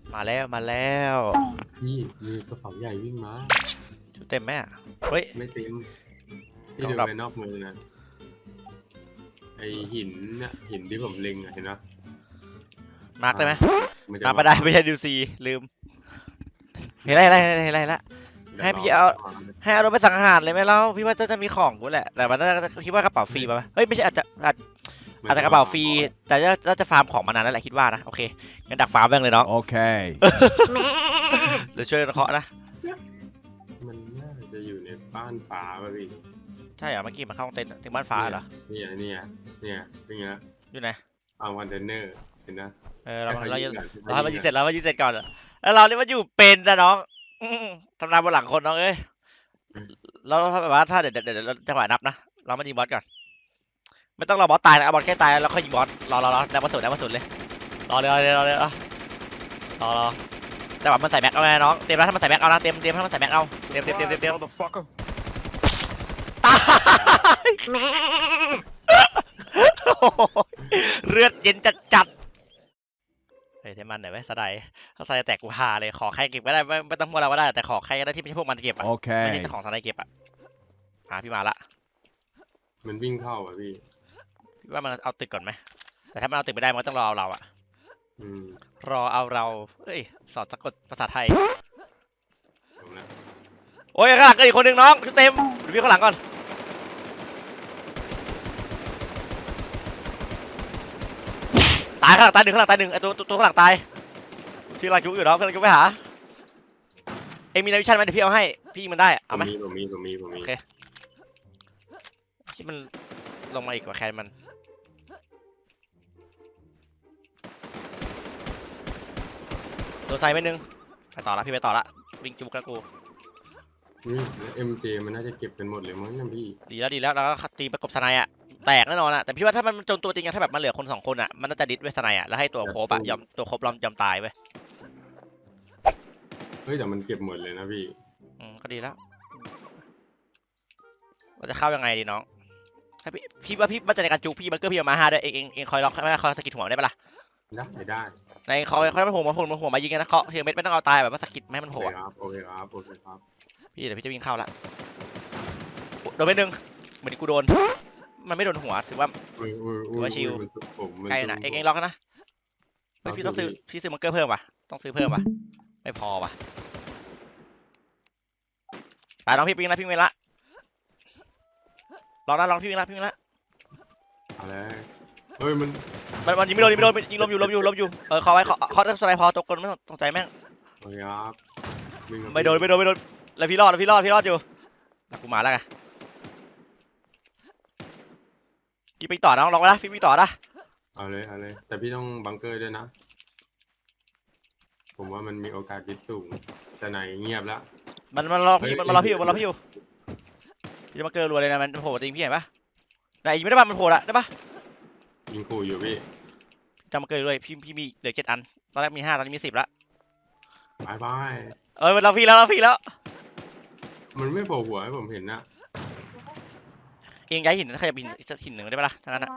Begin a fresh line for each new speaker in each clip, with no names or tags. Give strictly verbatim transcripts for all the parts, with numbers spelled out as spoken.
มาแล้วมาแล้ว
พี่มีกระเป๋าใหญ่วิ่งมา
ชุดเต็มไหมเฮ้ย
ไม่เต็มพี่ดูไปนอกมือนะไอหินเนี่ยหินที่ผมเล็งอะเห็นปะ
มาร์กได้ไหมมาไม่ได้ไม่ใช่ดิวซีลืมเห็นไรเห็นไรเห็นไรละให้พี่เอาให้เอารถไปสังหารเลยไหมเล่าพี่ว่าจะจะมีของกูแหละแต่มันคิดว่ากระเป๋าฟรีป่ะเฮ้ยไม่ใช่อาจจะอาจอาจจะกระเป๋าฟรีแต่จะจะฟาร์มของมานานแล้วแหละคิดว่านะโอเคงั้นดักฟาร์มแม่งเลยน้อง
โอเค
เดี๋ยวช่วยเคาะนะ
มันน่าจะอยู่ในบ้านฟ้าป่ะพี่
ใช่เหรอเมื่อกี้มาเข้าเต็นท์ถึงบ้านฟ้าเหรอ
เนี่ยเนี่ยเนี่ยเป็นไง
อยู่ไหน
เอาวันเดนเนอร์เห็นนะ
เออเราเราเราให้มันยิงเสร็จแล้วมันยิงเสร็จก่อนแล้วเราเนี่ยมันอยู่เป็นนะน้องทำงานบนหลังคนน้องเอ้ยเราถ้าแบบว่าถ้าเดี๋ยวเดี๋ยวเดี๋ยวจังหวะนับนะเรามายิงบอสก่อนไม่ต้องรอบอสตายนะเอาบอสใกล้ตายแล้วค่อยยิงบอสรอรอรอได้มาสุดได้มาสุดเลยรอเลยรอเลยรอเลยรอรอรอจังหวะมันใส่แม็กเอาไงน้องเตรียมแล้วถ้ามันใส่แม็กเอานะเตรียมเตรียมถ้ามันใส่แม็กเอาเตรียมเตรียมเตรียมเตรียมเตรียมตายเลือดเย็นจัดจัดเฮ้ยเทมันหน่อยไหมสไลด์ถ้าสไลด์แตกกูฮาเลยขอใครเก็บก็ได้ไม่ไม่ต้องพวกเราก็ได้แต่ขอใครก็ได้ที่ไม่ใช่พวกมันเก็บอ่ะไม่ใช่เจ้าของสไลด์เก็บอ่ะหาพี่มาละ
มันวิ่งเข้าอ่ะพี่
พี่ว่ามันเอาตึกก่อนไหมแต่ถ้ามันเอาตึกไม่ได้มันก็ต้องรอเอาเราอ่ะรอเอาเราเอ้ยสอนสะกดภาษาไทยโอ้ยข้างหลังก็อีกคนหนึ่งน้องชุดเต็มดูพี่ข้างหลังก่อนตายข้างหลังตายหนึ่งข้างหลังตายหนึ่งไอตัวตัวข้างหลังตายพี่กำลังจุกอยู่เนาะกำลังจุกไปหาเอ็มมีนาวิชั่นไหมเดี๋ยวพี่เอาให้พี่มันได้เอาไหม
ผมมีผมมีผมมี
โอเคที่มันลงมาอีกกว่าแคนมันโดนไซไปนึงไปต่อละพี่ไปต่อละวิ่งจุกแล้วกู
นี่เอ็มเจมันน่าจะเก็บเป็นหมดเลยมั้งเนี่ยพี่
ดีแล้วดีแล้วแล้วก็ตีประกบสไนอ่ะแตกแน่นอนอ่ะแต่พี่ว่าถ้ามันจนตัวจริงอะถ้าแบบมันเหลือคนสองคนอ่ะมันน่าจะดิสเวสไนอ่ะแล้วให้ตัวโคบอะยอมตัวโคบยอมยอมตายไป
เฮ้ยแต่มันเก็บหมดเลยนะพี่
อืมก็ดีแล้วเราจะเข้ายังไงดีน้องถ้าพี่พี่ว่าพี่มั่นใจในการจุกพี่มันก็พี่มาห้าด้วยเองเองเองคอยล็อกไม่คอยสกิดหัวได้ปะล่ะ
ได้ได้
ในคอยคอยมันโผล่มาโผล่มาโผล่มายิงกันนะเคาะเทียมเม็ดไม่ต้องเอาตายแบบว่าสกิดไม่ให้มันโผล่
โอเคครับโอเคครับ
พี่เดี๋ยวพี่จะวิ่งเข้าละโดนไปหนึ่งเหมือนกูโดนมันไม่โดนหัวถือว่าถือว่าชิลใกล้นะเองเองล็อกนะพี่ต้องซื้อพี่ซื้อมังเกอร์เพิ่มป่ะต้องซื้อเพิ่มป่ะไม่พอป่ะไปน้องพี่วิ่งละพี่วิ่งละลองนะลองพี่วิ่งละพี่วิ่งละ
อะไรเฮ้ยมัน
มันมันยิงไม่โดนยิงไม่โดนยิงลมอยู่ลมอยู่ลมอยู่เออเขาไว้เขาเขาจะสไลด์พอตกคนไม่ต้องตกใจแม่ง
โอเคครับ
ไม่โดนไม่โดนไม่โดนแล้วพี่รอดแล้วพี่รอดพี่รอดอยู่กูมาแล้วไงพี่ไปต่อน้องลองไปนะพี่ไปต่อนะ
เอาเลยเอาเลยแต่พี่ต้องบังเกอร์ด้วยนะผมว่ามันมีโอกาสดิสสูงแต่ไหนเงียบแล้ว
มันมันรอพี่มันรอพี่อยู่มันรอพี่อยู่พี่จะมาเกอร์รัวเลยนะมันโผล่จริงพี่เห็นปะไหนยิงไม่ได้ป่ะมันโผล่ละได้ปะ
ยิงขู่อยู่พี่
จะมาเกอร์ด้วยพี่พี่มีเหลือเจ็ดอันตอนแรกมีห้าตอนนี้มีสิบละ
บายบาย
เออมันเราพี่แล้วเราพี่แล้ว
มันไม่โผล่หัวให้ผมเห็นนะ
เองย้ายหินใครจะบินหินหนึ่งได้ปะล่ะทั้งนั้นอะ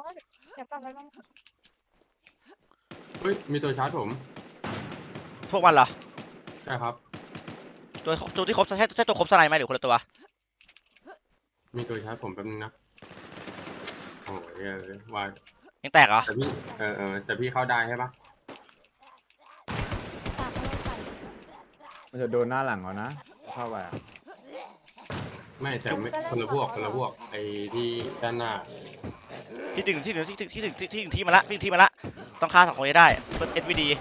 เฮ้ยมีตัวชาร์จผม
พวกมันเหรอ
ใช่ครับ
ตัวตัวที่ครบใช่ใช่ตัวครบสไลด์ไหมหรือคนละตัว
มีตัวชาร์จผมแป๊บนึงนะโอ้ยว่า
ยังแตกเหรอ
แต่พี่เออเออแต่พี่เข้าได้ใช่ปะ
มันจะโดนหน้าหลังเขานะเข้าไป
ไม่แต่ไม่คนละพวกคนละพวกไอ้ที่ด้านหน้า
ที่ถึงที่ถึงที่ถึงที่ถึงที่ถึงที่มาละที่ที่มาละต้องฆ่าสองคนได้เพื่อเอสวีดี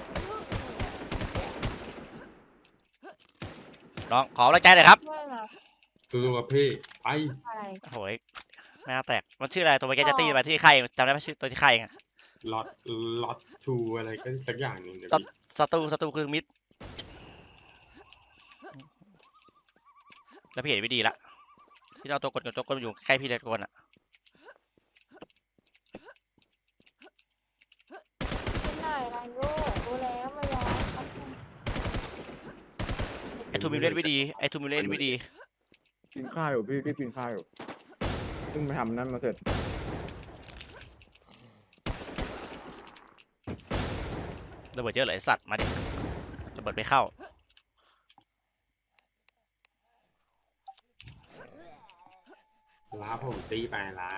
น้องขอกำลังใจหน่อยครับ
สู้ๆกับพี่ไป
โอ้ยไม่น่าแตกมันชื่ออะไรตัวเมื่อกี้จะตีไปที่ใครจำได้ไหมชื่อตัวที่ใครไง
ล็อตล็อตทูอะไรก็สักอย่างหนึ่ง
ศัตรูศัตรูคือมิดแล้วพี่เห็นวิดีละพี่เอาตัวกดกับตัวกดอยู่ใกล้พี่เลยกดอ่ะไอทูมิเลตวิดีไอทูมิเลตวิดี
กินข้าวอยู่พี่พี่กินข้าวอยู่เพิ่งไปทำนั่นมาเสร็จ
ระเบิดเยอะเลยสัตว์มาดิเปิดไม่เข้า
ล้าผมตีไปล้า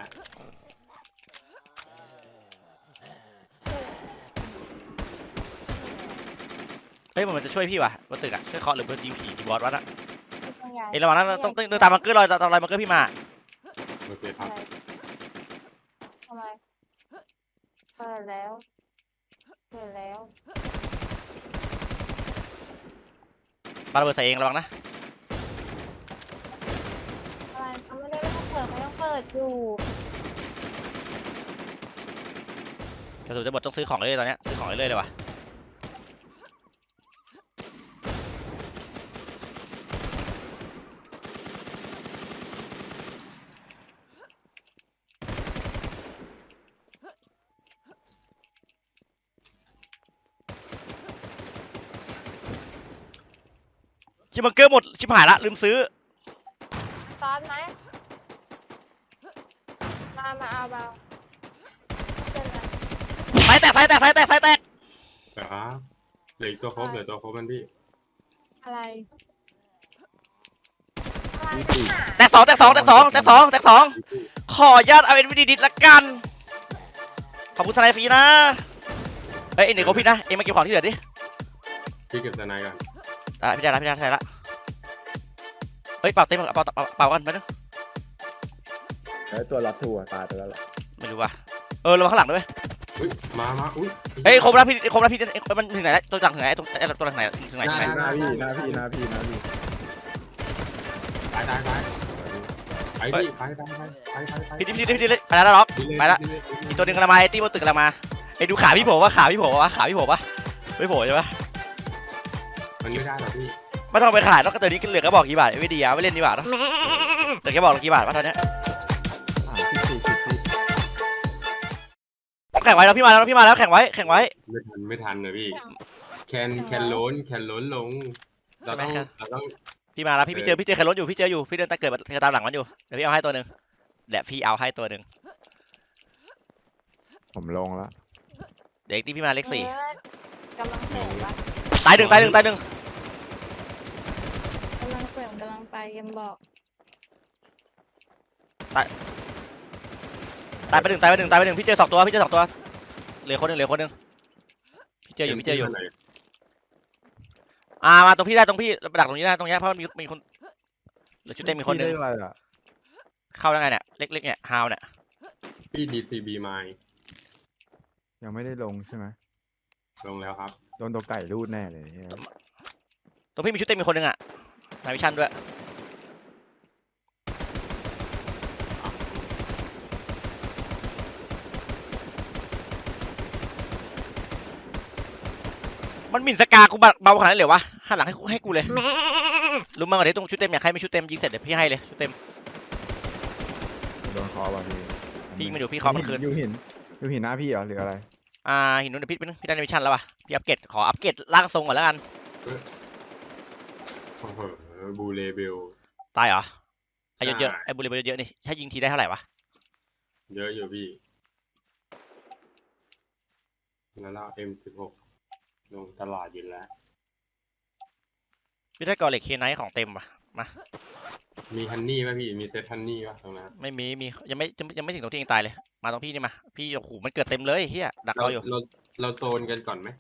เฮ้ยมันจะช่วยพี่วะบนตึกอะช่วยเคาะหรือมันยิงผีจีบอสวะน่ะ
ต้องย้าย
เอ้ยระวังนะต้องต้องเดินตามบังเกอร์ลอยตามรอยบังเกอร์พี่มา
โอเคครับ
ทำไมเปิดแล้วเปิดแล้ว
ปาระเบิดใส่เองระวังนะ
อะไรเขาไม่ได้ไม่ต้องเปิดไม่ต้องเปิดอยู่
กระสุนจะหมดต้องซื้อของเรื่อยๆตอนเนี้ยซื้อของเรื่อยๆเลยว่ะชิบบังเกอร์หมดชิบหายละลืมซื้อ
ซอสไหมมามาเอาเบาเจอกัน
สายแตกสายแตกสายแตกสายแตก
ครับเหลืออีกตัวครบเหลือตัวครบมันพี่
อะไรอะไร
พี่ปี
หา
แตกสองแตกสองแตกสองแตกสองแตกสองขออนุญาตเอาเอ็นวีดีดิสละกันขอบคุณทนายฟรีนะเอ้ยเอ็นเด็กของพี่นะเอ็งมาเก็บของที่เหลือดิ
พี่เก็บสไนก่อน
อ่ะพี่ได้ละพี่ได้ละเฮ้ยเป่าเต็มเป่าเป่าเป่ากันไปนึง
แล้วตัวรับทัวร์ตายไปแล้วแหละ
ไม่รู้ว่ะเออระวังข้างหลังด้วย
อุ้ยมามาอุ้ย
เฮ้ยครบแล้วพี่ครบแล้วพี่มันถึงไหนแล้วตัวหลังถึงไหนตัวตัวหลังไหนถึงไหนถึงไหน
หน้าพี่หน้าพี่หน้าพี่หน้าพี่
ตายตายตายไปพี่ไปไปไปไปไปไป
พี่ดิพี่ดิพี่ดิไปแล้วล็อกไปแล้วอีกตัวหนึ่งกำลังมาไอ้ตี้บนตึกกำลังมาไอ้ดูขาพี่โผล่วะขาพี่โผล่วะขาพี่โผล่ปะไม่โผล่ใช่ปะ
มันไม่ได้หรอกพี่
ไม่ต้องไปขายนอกจากตัวนี้เหลือก็บอกกี่บาทไม่ดีอ่ะไม่เล่นดีกว่าเนาะเหลือแค่บอกกี่บาทวะตอนเนี้ย
สามสิบสี่สิบสี่
แข่งไว้แล้วพี่มาแล้วพี่มาแล้วแข่งไว้แข่งไว้
ไม่ทันไม่ทันเลยพี่แคนแคนโล้นแคนโล้นลงเราต้องเราต้อง
พี่มาแล้วพี่พี่เจอพี่เจอใครรถอยู่พี่เจออยู่พี่เดินตะเกิดตามหลังมันอยู่เดี๋ยวพี่เอาให้ตัวหนึ่งเดี๋ยวพี่เอาให้ตัวหนึ่ง
ผมลงแล้ว
เด็กที่พี่มาเลขสี่
เออกำลังเสริมวะ
ตายหนึ่งตายหนึ่งตายหนึ่ง
กำลังเสริมกำลังไปยังบอก
ตายไปหนึ่งตายไปหนึ่งตายไปหนึ่งพี่เจอสองตัวพี่เจอสองตัวเหลือคนหนึ่งเหลือคนหนึ่งพี่เจออยู่พี่เจออยู่อ่ามาตรงพี่ได้ตรงพี่ดักตรงนี้ได้ตรงนี้เพราะมันมีมีคนเหลือชุดเต็มมีคนหนึ่ง
พี่ได้อะไรอ่ะ
เข้าได้ไงเนี่ยเล็กๆเนี่ยฮาวเนี่ย
พี่ดีซีบีมา
ยังไม่ได้ลงใช่ไหม
ลงแล้วครับ
โดนตัวไก่รูดแน่เลยเนี่ย
ตรงพี่มีชุดเต็มมีคนหนึ่งอ่ะนายวิชันด้วยมันหมิ่นสกากูเบาขนาดนั้นเลยวะหันหลังให้กูให้กูเลยรู้มั้งก่อนดิตรงชุดเต็มอยากให้มีชุดเต็มยิงเสร็จเดี๋ยวพี่ให้เลยชุดเต็ม
โดนคอว่ะพี่
พี่ไม่ดูพี่ขอมันคืน
อยู่หินอยู่หินหน้าพี่เหรอหรืออะไร
อ่าหินนู้นเดี๋ยวพี่เป็นพี่ได้ในวิชันแล้วป่ะพี่อัปเกรดขออัปเกรดร่างทรงก่อนแล้วกัน
โอ้โหบูเลเบล
ตายเหรอไอ้เยอะๆ
ใช่
ไอ้บุหรี่เยอะๆนี่ถ้ายิงทีได้เท่าไหร่วะ
เยอะอยู่พี่แล้วเรา เอ็ม สิบหก ลงตลาดอยู่แล้ว
พี่ได้กอเหล็กเคนไนท์ของเต็มป่ะมา
มีฮันนี่ป่ะพี่ มีเซตฮันนี่ป่ะตรงนั้น
ไม่มีมียังไม่ยังไม่ยังไม่ถึงตรงที่เองตายเลยมาตรงพี่นี่มาพี่โอ้โหมันเกิดเต็มเลยเฮียดัก
เรา
เราอยู่
เราเราโซนกันก่อนไหม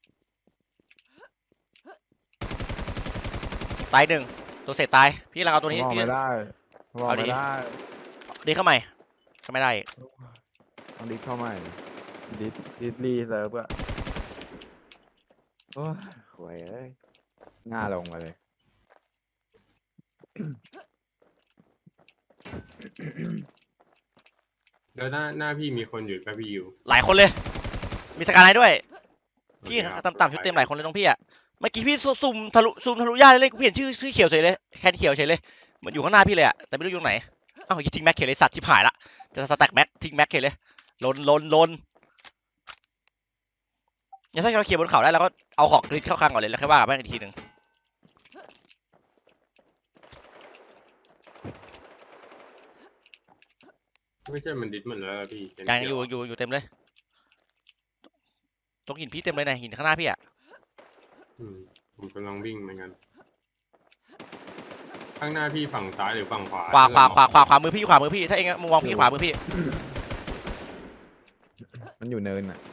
ตายหนึ่งตัวเสร็จตายพี่กำลังเอาตัวนี้
มอง
พี่
ไม่ได้มอง
เอาดิ
ไม่ได้
ดีเข้าใหม่ก็ไม่ได้อีก
ต้องดิสเข้าใหม่ดิสดิสรีเซิร์ฟอะโอ้ยหวยเอ้ยหน้าลงมาเลย
แล้วหน้าหน้าพี่มีคนอยู่ป่ะพี่อยู่
หลายคนเลย มีสกายไนท์ด้วย พี่
โอเคครับ
ต่ำๆชุดเต็มหลายคนเลยน้องพี่อะเมื่อกี้พี่ซุ่มทะลุซุ่มทะลุย่าเลยกูเห็นชื่อชื่อเขียวเฉยเลยแคนเขียวเฉยเลยมันอยู่ข้างหน้าพี่เลยอะแต่ไม่รู้อยู่ไหนอ้าวทิ้งแม็กเขียวเลยสัตว์ชิบหายละจะสแต็กแม็กทิ้งแม็กเขียวเลยลนลนลนงั้นถ้าเราเคลียร์บนเขาได้เราก็เอาของกรีดเข้าคลังก่อนเลยแล้วค่อยว่ากันแม่งอีกทีหนึ่ง
ไม่ใช่มันดิสหมดแล้วล่ะพี่เป็น
ยัง
เขี
อยู่อยู่อยู่เต็มเลยตรงหินพี่เต็มเลยนะหินข้างหน้าพี่อะ
อืมผผมกำลังวิ่งเหมือนกัน ข้างหน้าพี่ฝั่งซ้ายหรือฝั่งขวา
ขวาขวาขวาขวาขวามือพี่ขวามือพี่ถ้าเองมึงมองพี่ขวามือพี่
มันอยู่เนินอ่ะ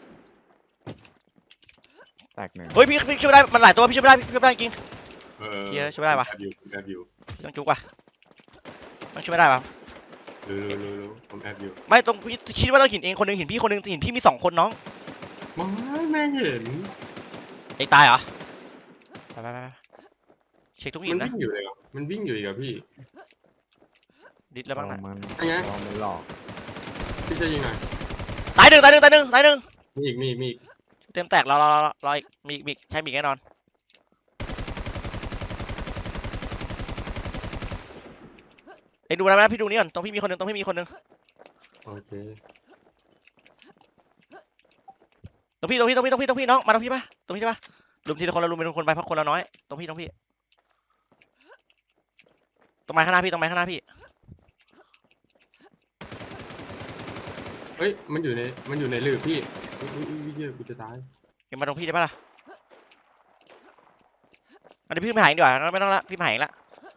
แตกหนึ่ง
เฮ้ยพี่พี่ช่วยไม่ได้มันหลายตัวพี่ช่วยไม่ได้พี่ช่วยไม่ได้จริง
เออ
เหี้ยช่วยไม่ได้วะ
แอบอยู่ผมแอบอยู่
พี่ต้องจุกว่ะมันช่วยไม่ได้ปะ
รู้รู้รู้รู้ผมแอบอยู่
ไม่ตรงพี่คิดว่าต้องหินเองคนหนึงหินพี่คนหนึงหินพี่มีสองคนน้อง
ไม่แม่งเห็น
เองตายเหรอไปไปไปไปเช็คทุกหิ
มัน น
นะ
วิ่งอยู่เลยเหรอมันวิ่งอยู่อีกเหรอพี่
ดิดแล้วบ้าง
ลอ
นะ
งมัน
อันไง
ลองมันหลอก
พี่จะยิงหน่อย
ตายหนึ่งตายหนึ่งตายหนึ่งตายหนึ่ง
มีอีกมีอีกมีอีก
เต็มแตกรอรอรอรออีกมีอีกมีอีกใช่มีอีกแน่นอนเอ็งดูนะนะพี่ดูนี่ก่อนตรงพี่มีคนหนึงตรงพี่มีคนหนึง
โอเค
ตรงพี่ตรงพี่ตรงพี่ตรงพี่ตรงพี่น้องมาตรงพี่ปะตรงพี่ใช่ปะลุมทีละคนละลุมเป็นคนไปเพราะคนละน้อยตรงพี่ตรงพี่ตรงไม้ข้างหน้าพี่ตรงไม้ข้างหน้าพี่
เฮ้ยมันอยู่ในมันอยู่ในหลืบพี่อุ้ยอุ้ยอุ้ยเหี้ยกูจะตาย
เอ็งมาตรงพี่ได้ปะล่ะอันนี้พี่ไม่หายดีกว่างั้นไม่ต้องละพี่ไม่หายละ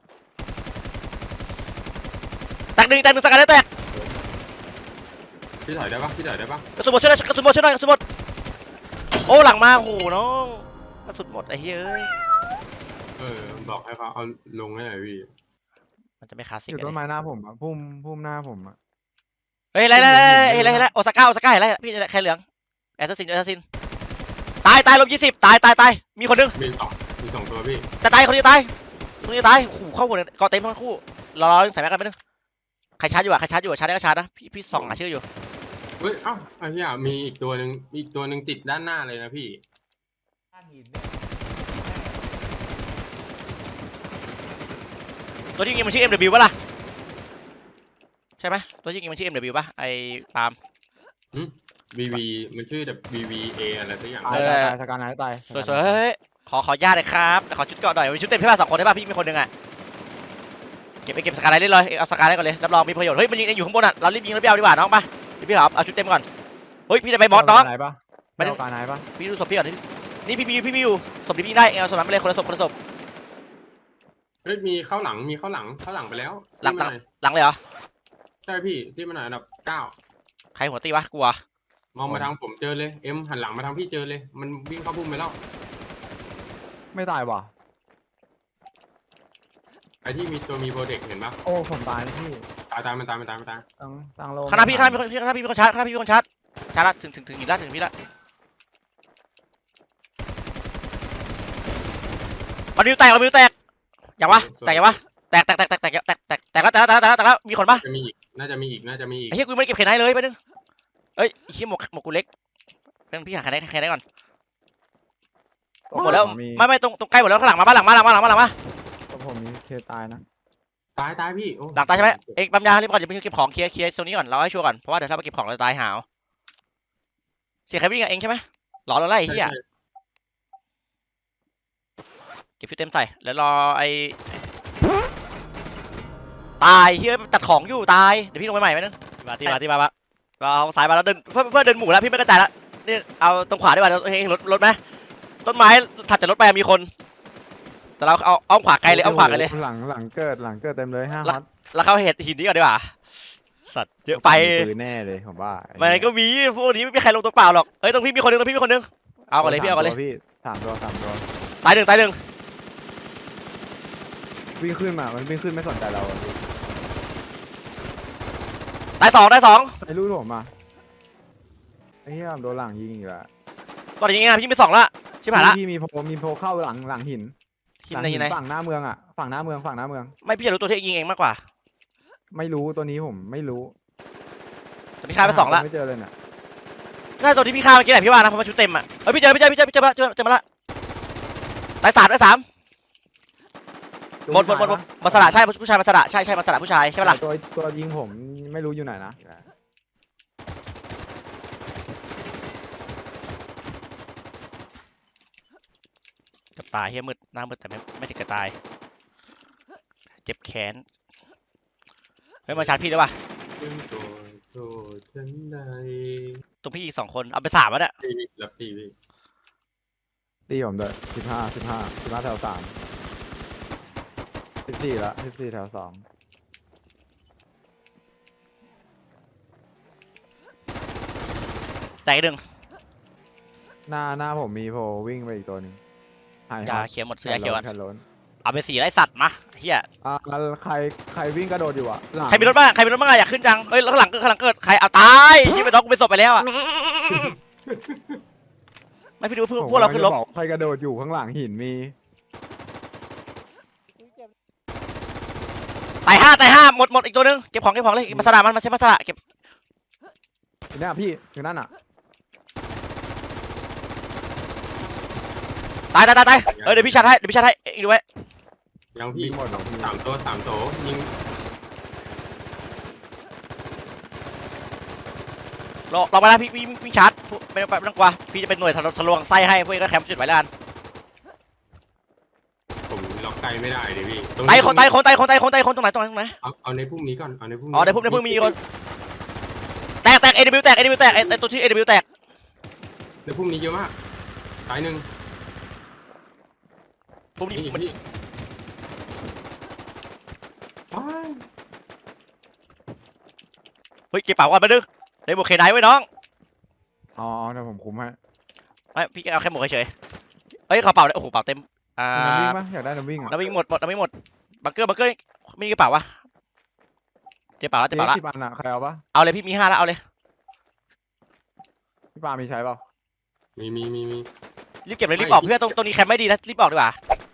แตกหนึ่งแตกหนึ่งสกัดได้แตก
พี่ถอยได้ปะพี่ถอยได้ปะ
กระสุนหมดช่วยหน่อยกระสุนหมดช่วยหน่อยกระสุนหมดโอ้หลังมาโอ้โหน้องกระสุนหมดไอ้เฮ้ยเอ้ย
เออบอกให้เขาเอาลงให้หน่อยพี่
มันจะไม่คลาสสิก
อยู่
อะ
ต้
ดิ
นไม้หน้าผมอ่ะพุ่มพุ่มหน้าผมอ่ะ
เฮ้ยไรไรไรเฮ้ยไรไรโอซาก้าโอซาก้าเห็นไรพี่แค่เหลืองแอสซัสซินแอสซัสซินตายตายลบยี่สิบตายตายตายมีคนนึง
มีสองมีสองตัวพี่
จะตายคนนี้ตายคนนี้ตายโอ้โหเข้าหัวเลยเกาะเต็มทั้งคู่รอรอใส่แม็กกันไปนึงใครชาร์จอยู่อะใครชาร์จอยู่อะชาร์จได้ก็ชาร์จนะพี่พี่ส่องหาชื่ออยู่
เฮ้ยเอ้าไอ้เหี้ยมีอีกตัวหนึ่งอีกตัวหนึ่งติดด้านหน้าเลยนะพี่
ตัวที่ยิงมันชื่อ เอ็ม ดับเบิลยู ป่ะล่ะใช่ไหมตัวที่ยิงมันชื่อ เอ็ม ดับเบิลยู ป่ะไอ้ปาล์ม
วีวีมันชื่อแบบ วี วี เอ อะไรสักอย่าง
ตายตายตายสการไหนตาย
สวยๆเฮ้ยขอขอญาตเลยครับขอชุดเกาะหน่อยมีชุดเต็มใช่ป่ะสองคนใช่ป่ะพี่มีคนหนึงอะเก็บไปเก็บสกายไลท์ได้เลยเอาสกายไลท์ก่อนเลยรับรองมีประโยชน์เฮ้ยมันยิงอยู่ข้างบนอะเรารีบยิงแล้วไปเอาดีกว่าน้องป่ะพี่เอาเอาชุดเต็มก่อนเฮ้ยพี่จะไปบอสน้อง
ไหนปะ
ไม่
ไม่
ได้
ได้การไหนปะ
พี่ดูศพพี่ก่อนนี่พี่พี่พี่มีอยู่ศพที่พี่ได้เอาศพนั้นไปเลยคนละศพคนละศพ
เฮ้ยมีเข้าหลังมีเข้าหลังเข้าหลังไปแล้ว
หลัง
ที่มาน่อย
หลังเลยเหรอ
ใช่พี่ที่มันหน่อยอันดับเก้า
ใครหัวตีวะกลัว
มองมาทางผมเจอเลยเอ็มหันหลังมาทางพี่เจอเลย มันวิ่งเข้าพุ่มไปแล้ว
ไม่ตายว่ะ
ไอ้ที่มีตัวมีโปรเจกต์เห็นปะ
โอ้ผมตายนะพี่
ตายตายมันตายมันตายมันตาย
ตั้งตั้งโล
ข้างหน้าพี่ข้างหน้าพี่ข้างหน้าพี่มีคนชาร์จข้างหน้าพี่มีคนชาร์จชาร์จละถึงถึงถึงอีกละถึงพี่ละเอานิ้วแตกเอานิ้วแตกอย่างวะแตกอย่างวะแตกแตกแตกแตกแตกแตกแตกแตกแล้วแตกแล้วแตกแล้วแตกแล้วมีคนปะ
จะมีอีกน่าจะมีอีกน่าจะมีอีก
ไอ้เหี้ยกูไม่ได้เก็บเขนได้เลยไปนึงเอ้ยไอ้เหี้ยหมวกหมวกกูเล็กเป็นพี่หาเขนได้เขนได้ก่อนหมดแล้วไม่ไม่ตรงตรงใกล้หมดแล้วข้างหลังมาบ้านหลังมาหลังมาหลังมาหลังมา
ตัวผมมีเคตายนะ
ตายตายพี่โอ้
หลังตายใช่ไหมเอ็งปั๊มยารีบก่อนอย่าเพิ่งเก็บของเคลียร์เคลียร์ตรงนี้ก่อนเราให้ชัวร์ก่อนเพราะว่าเดี๋ยวถ้าไปเก็บของเราจะตายหาวเสียใครวิ่งอะเอ็งใช่ไหมหลอเราไล่ไอ้เหี้ย
ใช่
เก็บชุดเต็มใส่แล้วรอไอ้ตายเฮ้ยจัดของอยู่ตายเดี๋ยวพี่ลงไปใหม่ไหมนึงมาที่มาที่มาปะเราเอาสายมาแล้วเดินเพื่อเพื่อเดินหมู่แล้วพี่ไม่กระจายแล้วนี่เอาตรงขวาดีกว่าเฮ้ยรถรถไหมต้นไม้ถัดจากรถไปมีคน แต่เราเอาอ้อมขวาไกลเลยอ้อมขวาไกลเลย
หลังหลังเกิดหลังเกิดเต็มเลยห้า
แล้ว
ฮอต
แล้วเข้าเห็ดหินนี้ก่อนดีกว่าสัตว์เยอะไป
มีปืนแน่เลยผมว่า
มันก็มีพวกนี้ไม่มีใครลงตัวเปล่าหรอกเฮ้ยตรงพี่มีคนนึงตรงพี่มีคนนึงเอาก่อนเลยพี่เอาก่อนเลย
พี่สามตัวสามตัว
ตายหนึ่งตายหนึ่ง
วิ่งขึ้นมามันวิ่งขึ้นไม่สนใจเราอะพี่
ตายสองตายสอง
ไอ้ลูกผมมาไอ้เหี้ยโดนหลังยิงอีกแล้ว
ตอนนี้ไงพี่มีสองละชิบหายละ
พี่มีโพมีโพเข้าหลังหลังหิน
หิน
หลัง
ไหน
หิ
หิ
น
นไหน
ฝั่งหน้าเมืองอ่ะฝั่งหน้าเมืองฝั่งหน้าเมือง
ไม่พี่จะรู้ตัวที่ยิงเองมากกว่า
ไม่รู้ตัวนี้ผมไม่รู้
แต่พี่ฆ่าไปสองละ
ไม่เจอเลยเนี่ย
น่าจะตัวที่พี่ฆ่าเมื่อกี้แหละพี่ว่านะเพราะมันชุดเต็มอ่ะเอ้ยพี่เจอพี่เจอพี่เจอพี่เจอมาเจอเจอมาละตายสามตายสามหมดหมดหมดหมดมาสละใช่ผู้ชายมาสละใช่ใช่มาสละผู้ชายใช่ปะล่ะ
ตัวตัวยิงผมไม่รู้อยู่ไหนนะ
จะตายเฮียมืดหน้ามืดแต่ไม่ไม่ถึงกับตายเจ็บแขนเฮ้ยมาชาร์จพี่ได้ปะ
เป็นตัวโทษฉันใด
ตรงพี่อีกสองคนเอาไปสามแล้วเนี่ย
พี่รับตีพี่
ตีผมด้วยสิบห้าสิบห้าสิบห้าแถวสามสิบสี่ละสิบสี่แถวสอง
แตกอีกหนึ่ง
หน้าหน้าผมมีโผล่วิ่งไปอีกตัวหนึ่งหาย
ยาเขียวหมดซื้อยาเขียวกัน
แขนล้น
เอาไปสีไร้สัตว์มาเฮีย
อ่าใครใครวิ่งกระโดดอยู่อะหลัง
ใครมีรถบ้างใครมีรถบ้างอะอยากขึ้นจังเฮ้ยข้างหลังเกิดข้างหลังเกิดใครเอาตายชิบไปน้องกูไปศพไปแล้วอะไม่พี่ดูพวก
ผม
พวกเราขึ้นรถ
กำลังจะบอกใครกระโดดอยู่ข้างหลังหินมี
ตายห้าตายห้าหมดหมดอีกตัวหนึงเก็บของเก็บของเลยมาสระมันมาใช้มาสระเก็บ
อยู่เนี่ยพี่อยู่นั่นอะ
ตายตายตายตายเออเดี๋ยวพี่ชัดให้เดี๋ยวพี่ชัดให้เองดูไว้
ยังพี่
วิ่งหมดเหรอพี่
สามตัวสามตัวยิง
รอรอไปนะพี่พี่พี่ชัดไม่ต้องไม่ต้องกลัวพี่จะเป็นหน่วยทะลุทะลวงไส้ให้พวกเองก็แคมป์จุดไว้แล้วกัน
ผมล็อกไกลไม่ได้เลยพี่
ตายคนตายคนตายคนตายคนตายคนตรงไหนตรงไหนตรงไหน
เอาเอาในพรุ่งนี้ก่อนเอาในพรุ่งนี้
อ๋อในพุ่มในพุ่มมีคนแตกแตกเอ ว แตกเอ ว แตกไอ้ตัวชื่อเอ ว แตก
ในพรุ่งนี้เยอะมากสายหนึ่ง
พุ่มนี้
นี่อีก
มัน
พี่ว้าย
เฮ้ยเก็บเป๋าก่อนมาดึงได้บวกเคไนไว้น้อง
อ๋อเดี๋ยวผมคุมให้
ไม่พี่เอาแค่หมวกเฉยๆเอ้ยกระเป๋าเลยโอ้โหเป๋าเต็มอ่า
น้ำวิ่งปะอยากได้น้ำวิ่งอะ
น้ำวิ่งหมดหมดน้ำวิ่งหมดบังเกอร์บังเกอร์มีกระเป๋าวะเจ็บเป๋าแล้วเจ็บ
เจ๊
เป๋าแล้ว
ที่ปันอะใครเอาปะ
เอาเลยพี่มีห้าแล้วเอาเลย
พี่ปามีใช้เปล่า
มีมีมีมี
รีบเก็บเลยรีบออกเพื่อนตรงตรงนี้แคมป์ไม่ดีนะรีบออกดีกว่า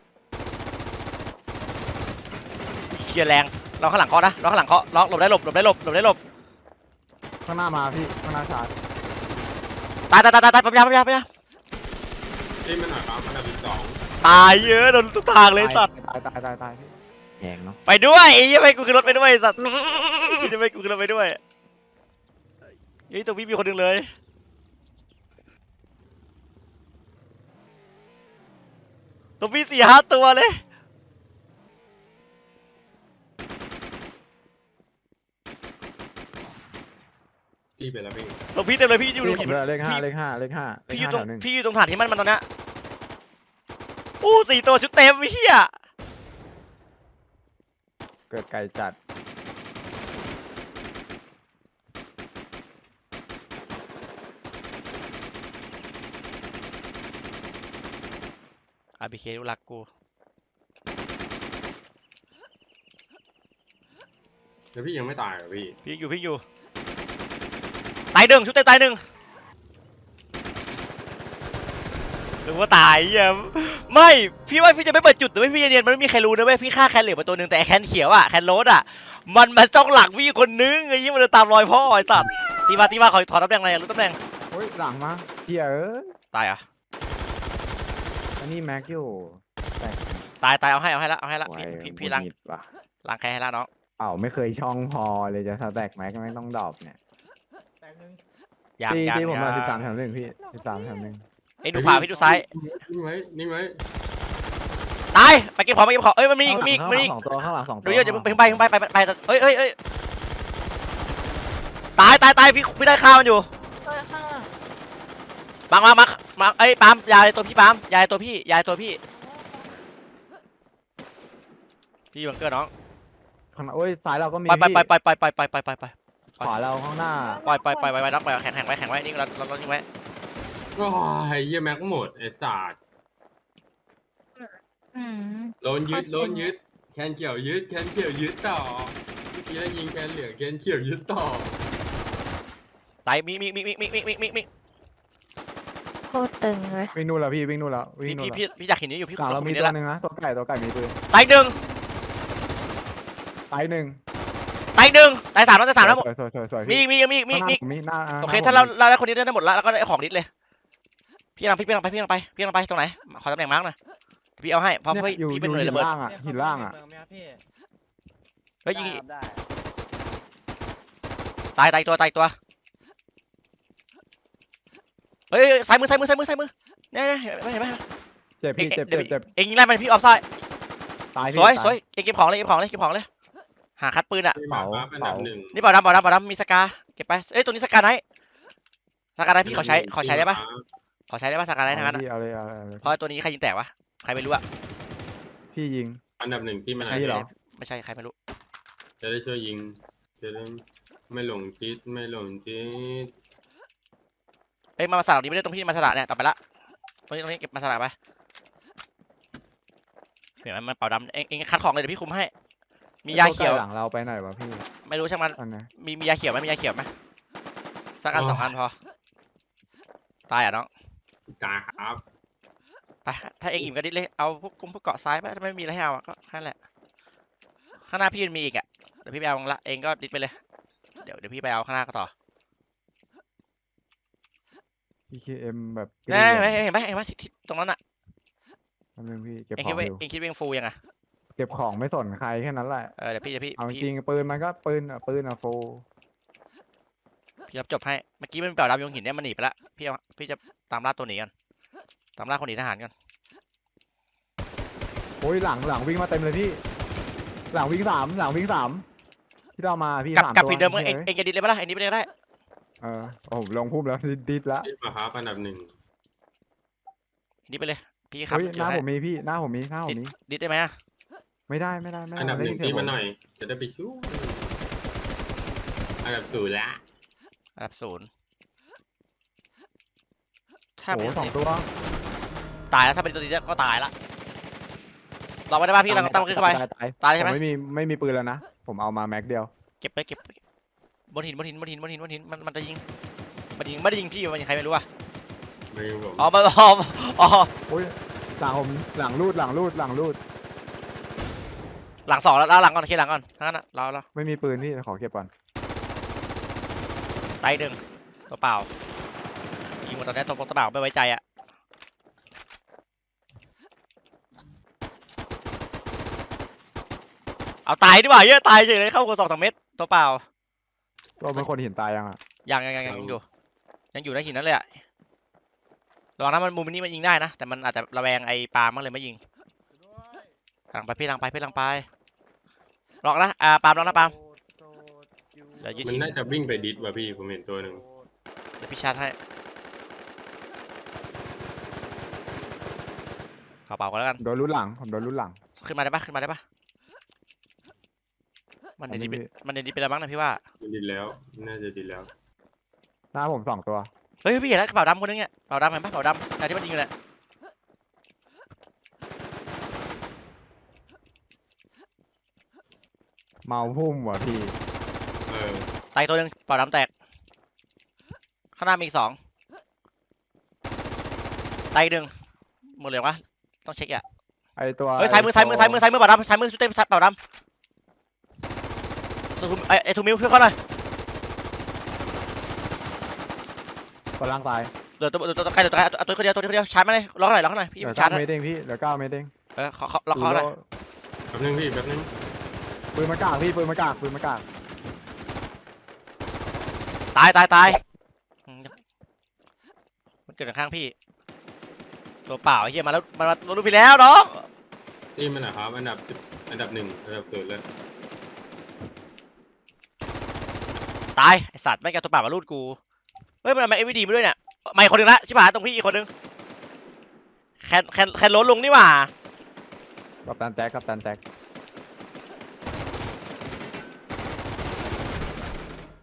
เคลียร์แรงเราข้างหลังเคาะนะเราข้างหลังเคาะล็อกหลบได้หลบหลบได้หลบหลบได้หลบ
ข้างหน้ามาพี่ข้างหน้าชาร์จ
ตายตายตายตายตายปั๊มยาปั๊มยาปั๊มยา
เอ้ยมันหน่อยครับอันดับที่สอง
ตายเยอะโดนทุกทางเลยสัตว์
ตายตายตายตายพี่แหงเนาะ
ไปด้วยไอ้ยังไม่กูขึ้นรถไปด้วยสัตว์ยังไม่กูขึ้นรถไปด้วยเฮ้ยตรงนี้มีคนหนึ่งเลยตรงนี้สี่ห้าตัวเลย
พี่เป็นแล้วพี่
ตรงพี่เต็มเลยพี่อยู่ตรง
พี่
หิน
ผมเลยเลขห้าเลขห้าเลขห้าเลข
พี่อยู่
ห้า
ตรง
แถวหนึ่ง
พี่อยู่ตรงฐานที่มันมันตอนเนี้ยอู้สี่ตัวชุดเต็มเฮีย
เกิดไก่จัด
อาร์บีเคดูรักกู
แล้วพี่ยังไม่ตายเหรอพี่
พี่อยู่พี่อยู่ตายหนึ่งชุดเต็มตายหนึ่งหรือว่าตายเหี้ยไม่พี่ว่าพี่จะไม่เปิดจุดแต่ไม่พี่จะเนียนมันไม่มีใครรู้นะเว้ยพี่ฆ่าแคนเหลือมาตัวหนึ่งแต่ไอ้แคนเขียวอะแคนโรสอะมันมาจ้องหลังพี่คนนึงไอ้ยี่มันเดินตามรอยพ่อไอ้สัตว์ตีมาตีมาขอถอดตำแหน่งหน่อยรู้ตำแหน่ง
โอ้ยหลังมาเฮียเอ้ย
ตายอ่ะ
อันนี้แม็กอยู่แต่
ตายตายเอาให้เอาให้ละเอาให้ละ
ไว้
พี่พี่พี่ล้าง
หงุดหงิดว่ะ
ล้างแค้นให้ละน้อง
เอ้าไม่เคยช่องพอเลยจะสแต็กแม็กไม่ต้องดรอปเนี่ย
ยาง
ตี
ยาง
ตีผมมาย
าง
สิบสามแถวหนึ่งพี่สิบสามแถวหนึ่ง
ไอ้ดูขวาพี่ดูซ้าย
นิ่งไว้นิ่งไว้
ตายไปเก็บของไปเก็บของเอ้ยมันมีอีกมีอีก
ข้าง
มี
หลั
อี
ง
ก
สองตัวข้างหลังสองตัว
ดูเยอะอย่าเพิ่งไปไปไปไปไปไปเอ้ยเอ้ยเอ้ยตายตายตายพี่พี่ได้ข้าวมันอยู่
เฮ้ยข้างหลัง
บังมามามาเอ้ยปาล์มยายตัวพี่ปาล์มยายตัวพี่ยายตัวพี่พี่บังเกอร์น้อง
ข้างหน้าโอ้ยซ้ายเราก็มี
ไปไป
พี่
ไปไปไปไปไปไปไปไป
ขวาเราข้างหน้า
ปล่อยปล่อยปล่อยไปไปน็อกไปแข็งแข็งไว้แข็งไว้นี่เราเราเรานิ่งไว้
ว้ายเยี่ยแม็กหมดไอ้สัตว์
อืม
โดนยึดโดนยึดแคนเขียวยึดแคนเขียวยึดต่อเมื่อกี้ได้ยิงแคนเหลืองแคนเขียวยึดต่อ
ตายมีมีมีมีมีมีมีมีมี
โคตรตึงเลย
วิ่งนู่นแล้วพี่วิ่งนู่นแล้ววิ่ง
พี่
นู่น
พี่
แล้ว
พี่พี่อยากเห็นนี้อยู่พี่
หลังเรามี
นี่
ตัว
ละ
หนึ่งนะตัวไก่ตัวไก่มีปืน
ตายหนึ่ง
ตายหนึ่ง
ตายหนึ่งตายสามแล้วตายสามแล้วหมด
สวยสวยสวยสวย
มี
พี่
มีมีมี
ข้างห
มี
น้าผมมีหน้า
โอเค
หน้
ถ้าเรา
ผมมี
เราได้คนนี้ได้หมดแล้วแล้วก็ได้ของนิดเลยพี่กำลังพี่กำลังไปพี่กำลังไปพี่กำลังไปตรงไหนขอตำแหน่งมาร์กหน่อยพี่เอาให้เพราะ
เนี่ย
พี่
อยู่
พี่
อ
เป็น
ยู่
หน่วย
หิ
ระ
น
เบิด
ล่างอ่ะหินล่างอ่ะ
เฮ้ยยิง
ได้
ตายตายตัวตายตัวเฮ้ยซ้ายมือซ้ายมือซ้ายมือซ้ายมือเนี่ยเนี่ยเห็นไหมเห็นไหม
เจ็บ
เอ็ง
พี่เจ็บ
เดี๋ยว
เจ็บเจ็บ
เอ็งยิงไล่มันพี่ออฟซ้าย
ตาย
ส
พี่
วย
ตา
สวยเอ็งเก็บของเลยเก็บของเลยเก็บของเลยหาคัดปืนอ่ะ
ไม่มาบ้าอันดับหนึ่ง
นี่เปล่าดำเปล่าดำเปล่าดำมีสกาเก็บไปเอ้ยตัวนี้สกาไหนสกาไหนพี่ขอใช้ขอใช้ได้ปะขอใช้ได้ป่ะสกายไลท์ทั้งนั้น
เอา
อะ
พี่เอาเลยเอาเลยเอาเลย
เพราะตัวนี้ใครยิงแตกวะใครไม่รู้อะ
พี่ยิง
อันดับหนึ่งที่มัน
ไม่ใช่
พี่เหรอ
ไม่ใช่ใครไม่รู้
จะได้ช่วยยิงจะได้ไม่หลงทิศไม่หลงทิศ
เอ้ยมามาสลับนี้ไม่ได้ตรงที่มาสลับเนี่ยต่อไปละตรงนี้ตรงนี้เก็บมาสลับไปเห็นไหมมันเป่าดำเองเองคัดของเลยเดี๋ยวพี่คุมให้ มียาเขียว
ตัวใกล้หลังเราไปไหนวะพี่
ไม่รู้ช่างมัน
อันไหน
มีมียาเขียวไหมมียาเขียวไหมสักอันสองอันพอตายอ่ะน้อง
กาครับ
ไปถ้าเองอิ่มก็ดิดเลยเอาพวกกุมพวกเกาะซ้ายไปถ้าไม่มีอะไรให้เอาอะก็แค่นั้นแหละข้างหน้าพี่มันมีอีกอ่ะเดี๋ยวพี่ไปเอาละเองก็ดิดไปเลยเดี๋ยวเดี๋ยวพี่ไปเอาข้างหน้าก็ต่อ
พี เค เอ็ม แบบ
เห็นไหมเห็นไหมเห็นไหมทิศทิศตรงนั้นอ่ะ
ทำนึงพี่เก็บ
เอง
ข
คิ
อ
ด
ง
ว่า
อยู่
เองคิดว่าเองฟูยังไง
เก็บของไม่สนใครแค่นั้นแหละ
เออเดี๋ยวพี่เดี๋ยวพี่
เอาจ
พี่
ริงๆปืนมันก็ปืนอะปืนอะโฟ
พี่รับจบให้เมื่อกี้มันเปล่าดำยงหินเนี่ยมันหนีไปละพี่เอาพี่จะตามล่าตัวหนีกันตามล่าคนหนีทหารกัน
โอ้ยหลังหลังวิ่งมาเต็มเลยพี่ หลังวิ่งสามหลังวิ่งสามที่เรามาพี่
กลับ
สาม
กลับ
ตัว
ฝีเดิมเมื่อเอง
ฮ้ย
เองจะดิดเลยปะล่ะเองดิดไปเลยก็ได้
เออโอ้โหลงพุ่มแล้วดิดดิดละ
ที่มาครับอันดับหนึ่ง
เองดิดไปเลยพี่ขับ
เฮ้ย
อ
ห
ยู่
น้า
ให้
ผมมีพี่หน้าผมมีหน้าผมมี
ดิดได้ไหมอะ
ไม่ได้ไม่ได้ไม่ได้
อันดับหนึ่ง
ไเสี
ที่
ย
มา
ผ
หน่อย จะได้ไปช่วยอันดับศูนย์ละ
อันดับศูนย์ถ้า
โอ้
ไม่
โหสองตัว
ตายแล้วถ้าเป็นตัวนี้ก็ตายละเราไม่ได้ป่ะพี่เราต้องขึ้นเข้าไป
ตายตาย
ตายใช่ไหม
ผไม่มีไม่มีปืนแล้วนะผมเอามาแม็กเดียว
เก็บไปเก็บไปบนหินบนหินบนหินบนหินบนหินมันมันจะยิงมันยิงไม่ได้ยิงพี่มันยิงใครไม่รู้อะ
ไม่รู้ผม
อ๋อมันอ๋ออ๋อ
โอ้ยหลังผมหลังรูดหลังรูดหลังรูด
หลังสองแล้วแล้วหลังก่อนเคลียร์หลังก่อนทั้งนั้นอะเราเรา
ไม่มีปืนพี่ขอเก็บก่อน
ไตหนึ่งตัวเปล่ายิงหมดตอนนี้ตัวตัวเปล่าไม่ไว้ใจอะเอาตายดีกว่าเยอะตายเฉยเลยเข้าคนสองสามเม็ดตัวเปล่า
ตัวเป็นคนหินตายยังอ่ะ
ยังยังยังยังอยู่ยังอยู่ในหินนั่นเลยอะลองนะมันมุมนี้มันยิงได้นะแต่มันอาจจะระแวงไอ้ปาล์มมันเลยไม่ยิงหลังไปพี่หลังไปพี่หลังไปลองนะอ่าปาล์มลองนะปาล์มเดี๋ยวยืด
มัน
ที
น่าจะวิ่งไปดิสว่ะพี่ผมเห็นตัวหนึ่ง
เดี๋ยวพี่ชาร์จให้ขอเป่ากันแล้วกัน
โดนรุ่นหลังผมโดนรุ่นหลัง
ขึ้นมาได้ปะขึ้นมาได้ปะมันเดนดี
อันนี้
มันเดนดีไปแล้วมั้งนะพี่ว่า
มันดิสแล้ว น่าจะดิสแล้ว
หน้าผมสองตัว
เฮ้ยพี่เห็นแล้วกระเป๋าดำคนนึงเนี่ยกระเป๋าดำเห็นปะกระเป๋าดำแต่ที่มันยิงอยู่เนี่ย
เมาพุ่มว่ะพี่
เออ
ตายตัวหนึงกระเป๋าดำแตกข้างหน้ามีอีกสองตายอีกหนึ่งหมดเลยวะต้องเช็คอ่ะ
ไอตัว
เฮ้ยซ้ายมือซ้ายมือซ้ายมือซ้ายมือกระเป๋าดำซ้ายมือชุดเต็มกระเป๋าดำสุดไอไอทูมิวช่วยเขาหน่อย
ตัวล่างตาย
เดี๋ยวตัวเดี๋ยวตัวใครเดี๋ยวตัวใครเอาตัวคนเดียวตัวคนเดียวชาร์จมาเลยล็อกหน่อยล็อกหน่อยพี่
เหลือ
ชา
เก้า
ร์จหน่อย
เมตรเองพี่เหลือเก้าเมตรเอง
เออขอขอล็อกเขาหน่อย
แป๊บนึงพี่แป๊บนึง
ปืนมากากพี่ปืนมากากปืนมากาก
ตายตายตายอืมมันเกิดข้างพี่ตัวเปล่าไอ้เหี้ยมาแล้วมามามาดูพี่แล้วน้อง
นี่มันนะครับอันดับอันดับหนึ่งอันดับศูนย์เลย
ตายไอสัตว์ไม่งแกตัวเปล่ามาลูดกูเฮ้ยมันเอามาเอวีดีมาด้วยเนี่ยไม่คนหนึ่งละชิบหายตรงพี่อีกคนหนึ่งแคนแคนแคนล้นลงนี่หว่า
กับตันแจ็คกับตันแจ็ค